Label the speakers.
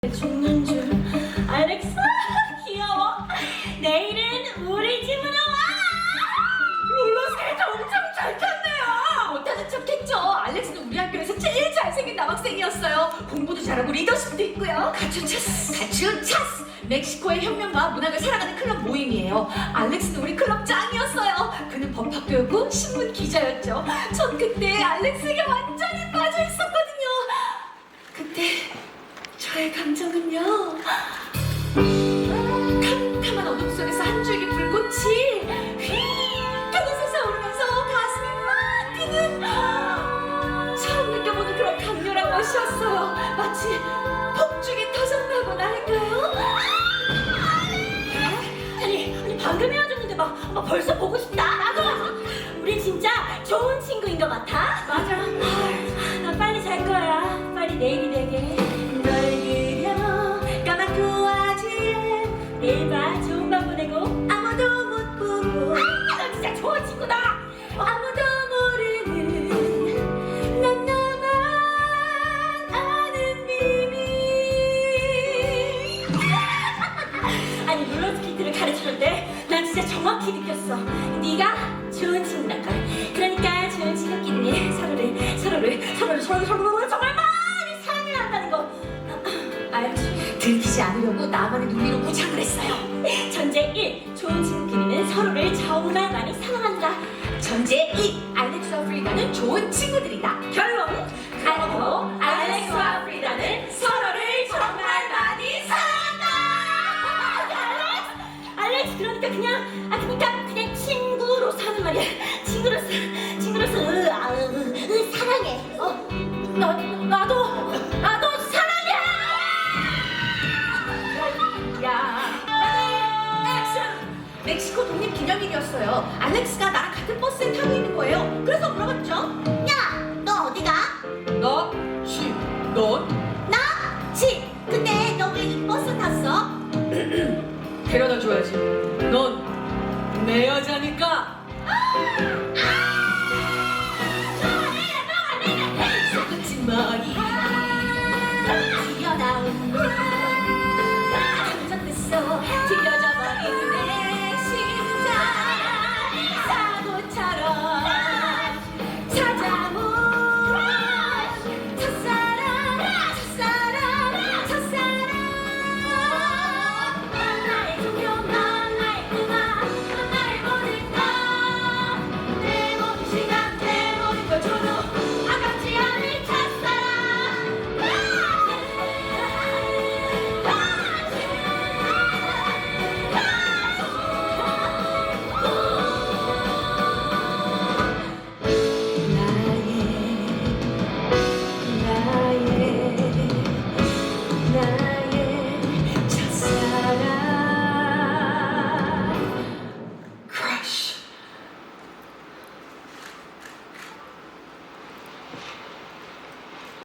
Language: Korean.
Speaker 1: 죽는 줄. 알렉사 귀여워. 내일은 우리 집으로 와. 롤러스케이트 엄청 잘 탔네요.
Speaker 2: 못하는 척했죠. 알렉스는 우리 학교에서 제일 잘생긴 남학생이었어요. 공부도 잘하고 리더십도 있고요. 가츄차스. 멕시코의 혁명과 문학을 사랑하는 클럽 모임이에요. 알렉스는 우리 클럽 짱이었어요. 그는 법학교였고 신문 기자였죠. 전 그때 알렉스에게 완전히 빠져 있었거든요. 그때 저의 감정은요, 캄캄한 어둠 속에서 한 줄기 불꽃이 휙 하고 솟아오르면서 가슴이 막 뛰는 처음 느껴보는 그런 강렬한 것이었어요. 마치 폭죽이 터졌다고나 할까요?
Speaker 1: 아니 방금 헤어졌는데 막 벌써 보고 싶다. 나도. 우리 진짜 좋은 친구인 것 같아.
Speaker 2: 맞아.
Speaker 1: 나 빨리 잘 거야. 빨리 내일이 되게. 널 그려 까맣고 아지에 내일 봐 좋은 밤 보내고 아무도 못 보고. 너 진짜 좋은 친구다. 아무도 모르는 난 너만 아는 비밀. 아니 롤러스케이트를 가르쳐줄 때 난 진짜 정확히 느꼈어. 네가 좋은 친구란 걸. 그러니까 좋은 친구끼리 서로를 정말 많이 사랑해야 한다는 거.
Speaker 2: 알지. 들키지 않으려고 나만의 눈리로 무장을 했어요.
Speaker 1: 전제 1. 좋은 친구끼리는 서로를 정말 많이 사랑한다.
Speaker 2: 전제 2. 알렉스와 프리다는 좋은 친구들이다.
Speaker 1: 결론. 알고 알렉스와 프리다는 서로를 정말 많이 사랑한다. 알렉스 그러니까 그냥 친구로 사는 말이야. 친구로서 사랑해. 나도 사랑해.
Speaker 2: 액션! 멕시코 독립 기념일이었어요. 알렉스가 나랑 같은 버스에 타고 있는 거예요. 그래서 물어봤죠.
Speaker 1: 야, 너 어디가?
Speaker 2: 나, 시, 넌?
Speaker 1: 나? 근데 너 왜 이 버스 탔어?
Speaker 2: 데려다 줘야지. 넌 내 여자니까.